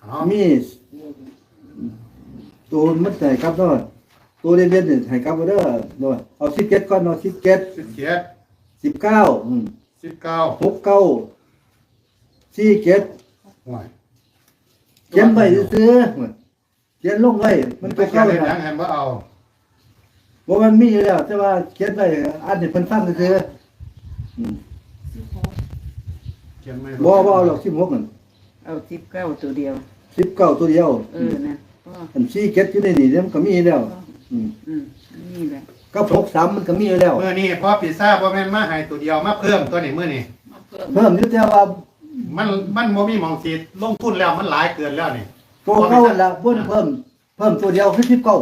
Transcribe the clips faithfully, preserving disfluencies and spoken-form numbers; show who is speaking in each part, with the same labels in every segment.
Speaker 1: มีตัวมันใส่ครับเนาะตัวเด่นๆเนี่ยให้ครับเด้อเนาะเอาสิบเจ็ดก่อนเนาะสิบเจ็ด
Speaker 2: สิบเจ็ด
Speaker 1: สิบเก้าอืม
Speaker 2: สิบเก้า
Speaker 1: หกเก้าสี่เจ็ด
Speaker 2: ห่วย
Speaker 1: เขียนไว้ซื้อเขียนลงไว้มันก็
Speaker 2: เขีย
Speaker 1: เข้าน
Speaker 2: ใน
Speaker 1: เลย
Speaker 2: หนั
Speaker 1: นะ
Speaker 2: งแฮมว่าเอา
Speaker 1: บ่มันมีอยู่แล้วแต่ว่าเขียนไว้อันนี้เพิ่นฟังซื้ออืม
Speaker 2: เขียนไม่
Speaker 1: บ่บ่เอาหรอกสิบหกนั่น
Speaker 3: เอาสิบเก้าตัวเดียว
Speaker 1: สิบเก้าตัวเดียว
Speaker 3: เออนะพ่อ
Speaker 1: อันสี่เจ็ดอยู่ในนี่เดี๋ยวมันก็มีแล้วอืม
Speaker 3: อืมนี่แหละ
Speaker 1: ก็หกสามมันก็มีอยู่แล้ว
Speaker 2: เมื่อนี้พอพิซซ่าพ่อแม่นมาให้ตัวเดียวมาเพิ่มตัวนี้เมื่อนี้
Speaker 3: มาเพิ่ม
Speaker 1: เพิ่มอยู่แต่ว่า
Speaker 2: มันมันโมมีหมองสีลงทุนแล้วมันหลายเกินแล้วนี่
Speaker 1: ตัวเก่าละบ่นเพิ่มเพิ่มตัวเดียวคือสิบเก้า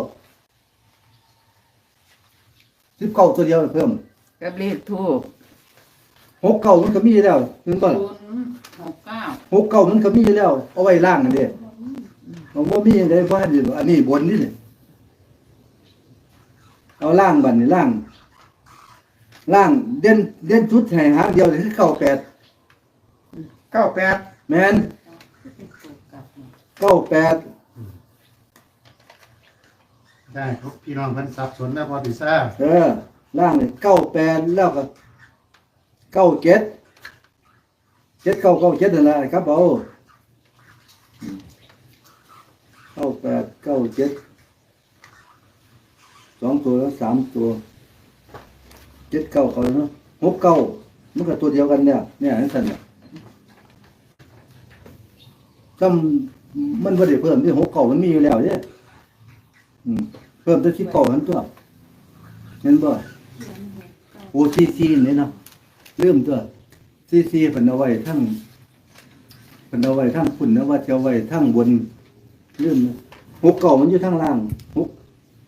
Speaker 1: สิบเก้าตัวเดียวเพิ่ม
Speaker 3: กับเลขทูบ
Speaker 1: หกเก้ามันก็มีอยู่แล้วถึงต้น
Speaker 3: ศูนย์หกเก้า
Speaker 1: หกเก้ามันก็มีอยู่แล้วเอาไว้ล่างนั่นเด้มันบ่มีได้บ่ได้อันนี้บนนี่นี่เอาล่างบัดนี่ล่างล่างเด่นเด่นชุดให้หางเดียวนี่คือเก้าแปด
Speaker 2: เก้าแปด
Speaker 1: แม่นเก้าแปด
Speaker 2: ได้ครับพี่น้องเพิ่นสับสนนะพอพิซซ่า
Speaker 1: เออล่างนี่เก้าแปดแล้วก็เก้าเจ็ดเจ็ดเก้าเก้าเจ็ดนั่นแหละครับเอาเก้าแปดเก้าเจ็ดสองตัวแล้วสามตัวเจ็ดเก้าเขาเนาะหกเก้ามันก็ตัวเดียวกันเนี่ยเนี่ยนั่นสั่นเนี่ยซ้ำมันบ่ได้เพิ่มที่หกเก้ามันมีอยู่แล้วเนี่ยอืมเพิ่มแต่สิบเก้าหันตัวเห็นบ่โอซีซีนี่เนาะลืมตัวซีซีเพิ่นเอาไว้ทั้งเพิ่นเอาไว้ทั้งคุณนะว่าจะเอาไว้ทั้งบนลืมหกเก้ามันอยู่ทั้งล่างหก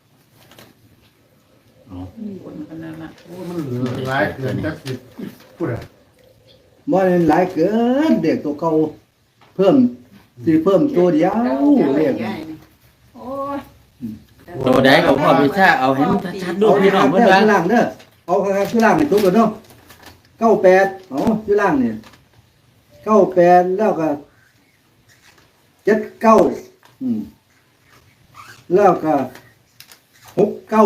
Speaker 3: คนกันนั่นละ
Speaker 2: โอ้มันเหลือหลายเกินจักสิพูดอะ
Speaker 1: บ่ได้หลายเกินเด็กตัวเก่าเพิ่มสิเพิ่มตัวเดียวเรียก
Speaker 3: โอ้ย
Speaker 4: ตัวใดก็พ่อพิซซ่าเอาให้มันชัดๆดูพี่น้องเพิ่น
Speaker 1: เด้
Speaker 4: ว่า
Speaker 1: ข้างล่างเด้อเอาข้างคือล่างนี่ตัวเนาะเก้าแปดอ๋อคือล่างนี่เก้าแปดแล้วก็เจ็ดเก้าอืมแล้วก็หกเก้า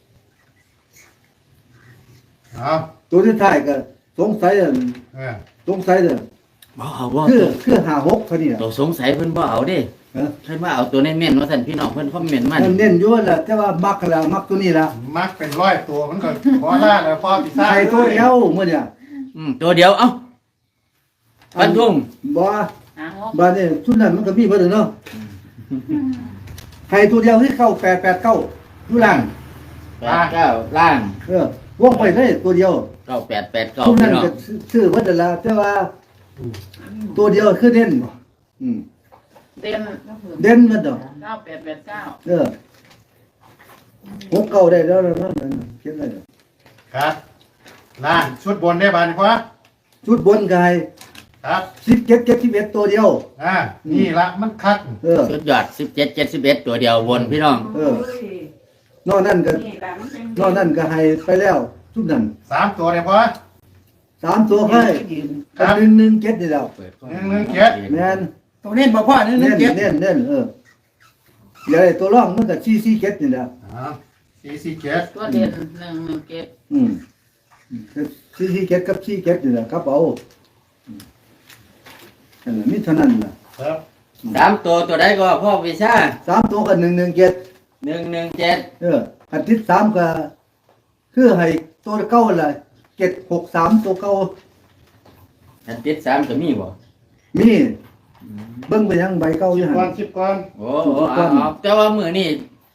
Speaker 2: เอา
Speaker 1: ตัวที่ท้ายก็สงสัยอัน
Speaker 2: เออ
Speaker 1: สงสัยเด้อ
Speaker 4: บ่เอาบ่
Speaker 1: คือ
Speaker 4: ตัว
Speaker 1: คือห้าหกเท่านี้น่ะ
Speaker 4: ตัวสงสัยเพิ่นบ่เอาเด้
Speaker 1: เออ
Speaker 4: เพิ่นว่าเอาตัวเน้นๆว่าซั่นพี่น้องเพิ่นคอมเมนต์มา
Speaker 1: มันเน้นอยู่ล่ะแต่ว่ามักละมักตัวนี้ล่ะ
Speaker 2: มักเป็นร้อยตัวมันก็พอล่าแล้วพอพิซซ่า
Speaker 1: ใส่ตัวเดียวมื้อเนี่ย
Speaker 4: อืมตัวเดียวเอ้าฟันธง
Speaker 1: บ่
Speaker 3: หางง
Speaker 1: บ้านนี้ชุดนั้นมันก็มีเบิดเนาะให้ตัวเดียวที่เข้าแปดแปดเก้าอยู่ล่าง
Speaker 4: แปดเก้าล่าง
Speaker 1: เออวงไปเลยตัวเดียว
Speaker 4: เก้าแปดแปดเก้า
Speaker 1: ชุด
Speaker 4: พี่
Speaker 1: นั้น
Speaker 4: น้อง
Speaker 1: ก็ซื้อเบิดนั่นล่ะแต่ว่า ตัวเดียวคือเด่นอืม
Speaker 3: เต็ม
Speaker 1: เด่นมันดอก
Speaker 3: เก้าแปดแปดเก้า
Speaker 1: เออหกเก้าได้แล้วแล้วนั่นเขียนได้แล้ว
Speaker 2: ครับล่างชุดบนได้บานพอ
Speaker 1: ชุดบนก็ให้
Speaker 2: ครับ
Speaker 1: สิบเจ็ดเจ็ดสิบเอ็ดตัวเดียว
Speaker 2: อ่านี่ละมันคัก
Speaker 1: เออ
Speaker 4: สุดยอดสิบเจ็ด เจ็ดสิบเอ็ดตัวเดียววนพี่น้อง
Speaker 1: เออ นอกนั้นก็
Speaker 3: นี่ละมันเป็น
Speaker 1: นอกนั้นก็ให้ไปแล้วชุดนั้น
Speaker 2: สามตัวเลยพอ
Speaker 1: สามตัวให้
Speaker 2: ครับ
Speaker 1: หนึ่งหนึ่งเจ็ดนี่แล้ว
Speaker 4: เปิดก่อ
Speaker 2: หนึ่งหนึ่งเจ็ด
Speaker 1: แม่น
Speaker 3: ตัวเน้นบอกว่าเน้น
Speaker 1: เน้น
Speaker 3: เจ็ด
Speaker 1: เน้นเน้นเออเดี๋ยวไอ้ตัวร่องมันก็ชี้ชี้เจ็ดนี่แหละ
Speaker 2: อ่าสี่สี่เจ็ด
Speaker 3: ตัวเด่นหนึ่งหนึ่งเจ็ด
Speaker 1: อืมชี้ชี้เจ็ดกับชี้เจ็ดนี่แหละครับเอาอืมนั่นแหละมิเท่านั้นล่ะ
Speaker 2: ครับ
Speaker 4: สามตัวตัวใดก็พ่อพิซซ่า
Speaker 1: สามตัวกับหนึ่งหนึ่งเจ็ด
Speaker 4: หนึ่งหนึ่งเจ็ด
Speaker 1: เอออันที่สามก็คือให้ตัวเก้าละเจ็ดหกสามตัวเก้า
Speaker 4: อันติดสามจะมีบ่
Speaker 1: มีเบิ้งไปยังใบเก้าอยู่
Speaker 2: ก่
Speaker 1: หั
Speaker 2: อน
Speaker 1: น
Speaker 2: สิบก่อน
Speaker 4: โอ้โหเอาเอาแต่ว่ามื้อนี้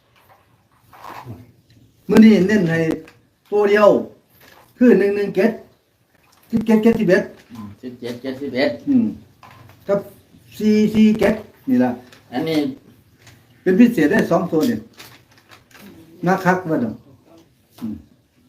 Speaker 1: มื่อนี้เน้นให้ตัวเดียว คือหนึ่งหนึ่งเจ็ดสิบเจ็ดเจ็ดสิบเอ็ด
Speaker 4: สิบเจ็ด เจ็ดสิบเอ็ด
Speaker 1: อืมกับสี่สี่เจ็ดนี่ล่ะ
Speaker 4: อันนี้
Speaker 1: เป็นพิเศษได้สองตัวเนี่ยนักคักว่าดอกอืม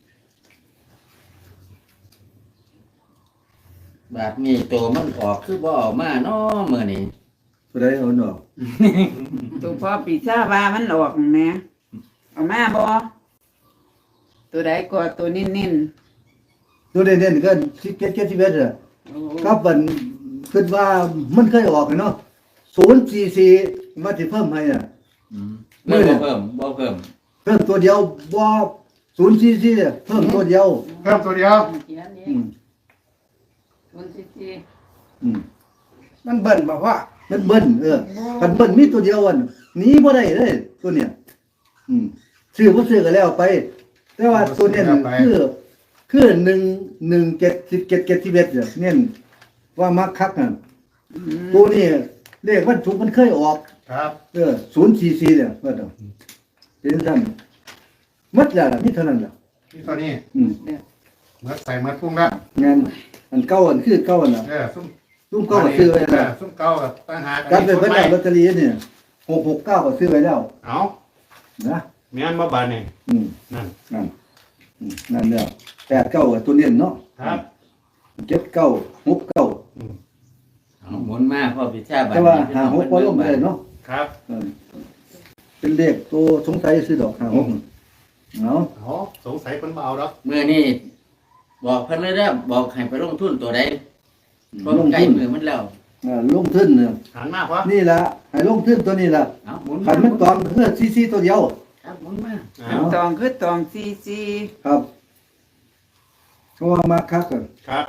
Speaker 4: บาทนี้ตัวมันออกคือบ่ออกมาเนาะมื้อนี้
Speaker 1: ตัวใดเอาหนอก
Speaker 3: ตัวพ่อปีชาว่ามันออกนะเอามาบ่ตัวใดก็ตัวเน้นเน้น
Speaker 1: ตัวเด่นๆก็สิบเจ็ดเจ็ดสิบเอ็ดอะ
Speaker 3: ๆโอ้
Speaker 1: ครับมันคิดว่ามันเคยออกเนาะศูนย์สี่สี่มาที่เพิ่มให้อ่ะ
Speaker 4: อืมไม่บ่เพิ่มบ่เพิ่ม
Speaker 1: เพิ่มตัวเดียวบ่ศูนย์สี่สี่เพิ่มตัวเดียว
Speaker 2: เพิ่มตัวเดียว
Speaker 3: เขียนนี่
Speaker 1: อืม
Speaker 3: ศูนย์สี่สี่
Speaker 1: อืม
Speaker 5: มันเบิ่นบอกว่า
Speaker 1: มันเบิ้ลเออกันเบิ้ลมีตัวเดียวอันหนีบ่ได้เลยตัวเนี้ยอืมซื้อบ่ซื้อก็แล้วไป แต่ว่าตัวเนี้ยคือคือหนึ่งหนึ่งเจ็ดสิบเจ็ดเจ็ดสิบเอ็ดเนี่ยเน้นว่ามักคักอ่ะตัวนี้เลขวันศุกร์มันเคยออก
Speaker 2: ครับ
Speaker 1: เออศูนย์สี่สี่เนี่ยว่าดอกเป็นท่านมัดแล้วล่ะมีเท่านั้นล่ะ
Speaker 2: นี่ตัวนี้
Speaker 1: อืม
Speaker 2: เมื่อใส่เมื่อพุ่งแล้ว
Speaker 1: งานอันเก่าอันคือเก่าอันน่ะ
Speaker 2: เออซุ่ม
Speaker 1: ซุ่มเก่าก็ซื้อไว้
Speaker 2: เอ
Speaker 1: แล้ว
Speaker 2: อซุ่มเก่ากับตั้งหา
Speaker 1: จัดไปเพิ่นแล้วลอตเตอรี่เนี่ยหกหกเก้าก็ซื้อไว้แล้ว
Speaker 2: เอา
Speaker 1: นะ
Speaker 2: แม่นบ่บาดนี่
Speaker 1: อืม
Speaker 2: นั่น
Speaker 1: นั่นอืมนั่นแล้วแปดเก้ากับตัวเน้นเนาะ
Speaker 2: ครับ
Speaker 1: เจ็ดเก้าหกเก้า
Speaker 4: เอาหมุนมาพ่อพิชาบัด
Speaker 1: แต่ว่า
Speaker 4: นี้พี่
Speaker 1: หา
Speaker 4: น้อง
Speaker 1: หกพอลงไปเลยเนาะ
Speaker 2: ครับ
Speaker 1: เออเป็นเลขตัวสงสัยซื้อดอกหาหกเนาะ
Speaker 2: เอาสงสัยเพิ่นบ่เอาดอก
Speaker 4: มื้อนี้บอกเพิ่นเลยเด้อบอกให้ไปลงทุนตัวใดเพราะใกล้มือมันแล้ว
Speaker 1: อ่าลงทุนเนี่ย
Speaker 2: หันมาพอ
Speaker 1: นี่ล่ะให้ลงทุนตัวนี้ล่ะ
Speaker 4: เอาหมุน
Speaker 1: ขันมันตอนเพื่อซีซีตัวเดียว
Speaker 4: ครับหมุนมา
Speaker 2: เอา
Speaker 3: ตองคือตองสี่สี่
Speaker 1: ครับเพราะว่ามาคักกัน
Speaker 2: ครับ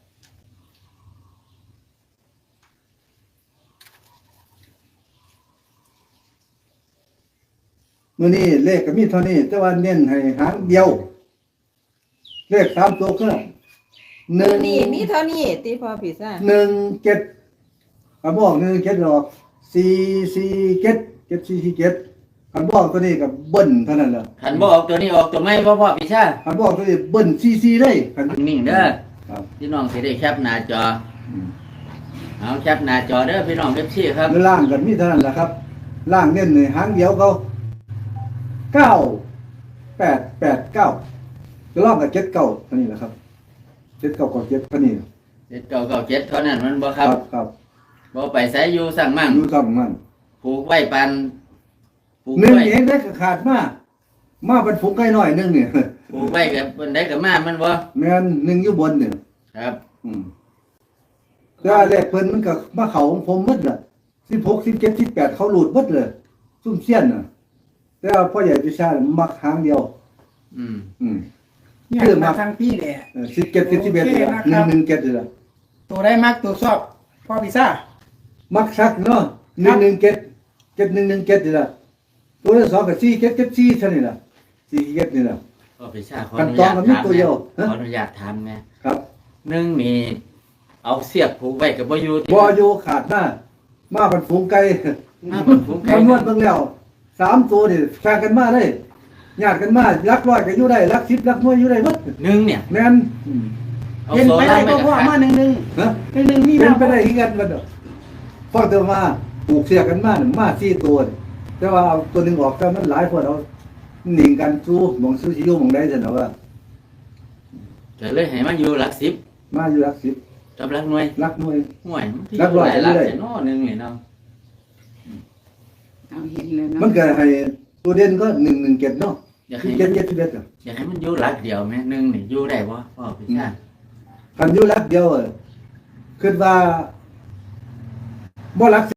Speaker 1: มื่อนี้เลขก็มีเท่านี้ แต่ว่าเน้นให้หางเดียว เลขสามตัวก็หนึ่
Speaker 6: ตัว
Speaker 1: ง
Speaker 6: นี้มีเท่านี้ตีพอผีซ่า
Speaker 1: หนึ่งเจ็ดขันบอกหนึ่งเจ็ดดอกสี่สี่เจ็ดเจ็ดสี่สี่เจ็ดขันบอกตัวนี้กับเบิ้ลเท่านั้นแหละ
Speaker 4: คันบ่ออกตัวนี้ออกตัวไม่บ่พ่อพิชา
Speaker 1: ขันบอกตัวนี้เบิ้ลสี่สี่ได้ขัน
Speaker 4: นิ่งเด้อ
Speaker 1: ครับ
Speaker 4: พี่น้องสิได้แคปหน้าจอเอาแคปหน้าจอเด้อพี่น้องเอฟซีครับ
Speaker 1: ล่างกันมีเท่านั้นแหละครับ ล่างเน้นในหางเดียวเขาเก้าแปดแปดเก้าจะล่องกับเจ็ดเก้าเท่านี้แหละครับเจ็ดเก้ากับเจ็ดเท่านี้
Speaker 4: เจ็ดเก้าเก้าเจ็ดเท่านั้นมันบ่ครับ
Speaker 1: ครับ
Speaker 4: บ่ไปใส่อยู่สั่งมั่ง
Speaker 1: ดูต้องมัน
Speaker 4: ผูกไว้ปันผูก
Speaker 1: หนึ่ง
Speaker 4: ไว้
Speaker 1: เองได้ก็ขาดมามาเป็นฝูงไก่น้อยหนึ่งเนี่ย
Speaker 4: ผูกไว้กับเพิ่นได้กับมามันบ่
Speaker 1: แม่นหนึ่งอยู่บนเนี่ย
Speaker 4: ครับ
Speaker 1: อืมแต่ว่าแรกเพิ่นมันก็มาเขาของผมหมดล่ะสิบหกสิบเจ็ดสิบแปดเขาหลุดหมดเลย ซุ่มเสี้ยนน่ะ แต่ว่าพ่อใหญ่พิชาเนี่ยมักหางเดียว
Speaker 4: อืม
Speaker 1: อืม
Speaker 5: เนี่ย
Speaker 1: คือ
Speaker 5: มา
Speaker 1: มา
Speaker 5: ทางพี่แหละ
Speaker 1: สิบเจ็ดสิบสิบเอ็ด
Speaker 5: โอเค
Speaker 1: ห
Speaker 5: นะ
Speaker 1: นึ่
Speaker 5: ครั
Speaker 1: ง
Speaker 5: บ
Speaker 1: หนึ่งเจ็ดเลย
Speaker 5: ตัวได้มักตัวชอบพ่อพิซซ่า
Speaker 1: มักชักเนาะหนึ่งหนึ่งเจ็ดเจ็ดหนึ่งหนึ่งเจ็ดนี่ล่ะตัวที่สองกับสี่เจ็ดเจ็ดสี่เท่านี้ล่ะสี่เจ็ดนี่ล่ะ
Speaker 4: ก็พิชาขอ
Speaker 1: ขั้
Speaker 4: อน นุ
Speaker 1: ตอน
Speaker 4: ญาต
Speaker 1: มันมี
Speaker 4: ถาม
Speaker 1: ตัวเดียว
Speaker 4: ขอ
Speaker 1: ฮะ
Speaker 4: อนุญาตถามไง
Speaker 1: ครับ
Speaker 4: หนึ่งนี่เอาเสียบผูกไว้กับบ่อยู่ที่
Speaker 1: บอโยขาดหน้ามาเป็นฝูงไก่
Speaker 4: มาเป็นผูกไก่
Speaker 1: คำนวณเบิ่งแล้วสามตัวนี่แข่งกันมาได้ญาติกันมารักร้อยก็อยู่ได้รักสิบรักหน่วยอยู่ได้หมด
Speaker 4: หนึ่งเนี่ย
Speaker 1: แม่น
Speaker 4: เอา
Speaker 5: เป็น
Speaker 4: โซ
Speaker 5: ไป
Speaker 4: ล่า
Speaker 5: ได้
Speaker 4: ไป
Speaker 5: ก็
Speaker 4: กับ
Speaker 5: พ่อ
Speaker 4: ขา
Speaker 5: มาหนึ่งหนึ่ง
Speaker 1: ฮะ
Speaker 5: หนึ่งหนึ่งมี
Speaker 1: เป็น
Speaker 5: มา
Speaker 1: ไปได้ที่กันมันเด้อฟังเติมมาปลูกเสียกันมาน่ะมาสี่ตัวนี่แต่ว่าเอาตัวหนึงออกก็มันหลายคนเอาหนิงกันสู้หมองซื้อสิอยู่หมองใดซั่นน่ะว่า
Speaker 4: ก็เลยให้มันอยู่หลักสิบ
Speaker 1: มาอยู่รักสิบ
Speaker 4: กับหลักหน่วย
Speaker 1: รักหน่วย
Speaker 4: ห่วยมันที่
Speaker 1: หลักร้อย
Speaker 4: หลายหลัก
Speaker 1: ก็ได้
Speaker 4: แต่น้อหนึ่งนี่เนาะ
Speaker 3: เอาเห็นเลยเนาะ
Speaker 1: มันก็ให้ตัวเด่นก็หนึ่งหนึ่งเจ็ดเนาะ
Speaker 4: อยาก
Speaker 1: สิ
Speaker 4: ให้
Speaker 1: บเจ็ดเจ็ดสิบเอ็ดอะ
Speaker 4: อยากให้มันอยู่หลักเดียวไหมหนึ่งนี่อยู่ได้บ่พ่อพิชา
Speaker 1: คันอยู่รักเดียวอะคิดว่าบ่รัก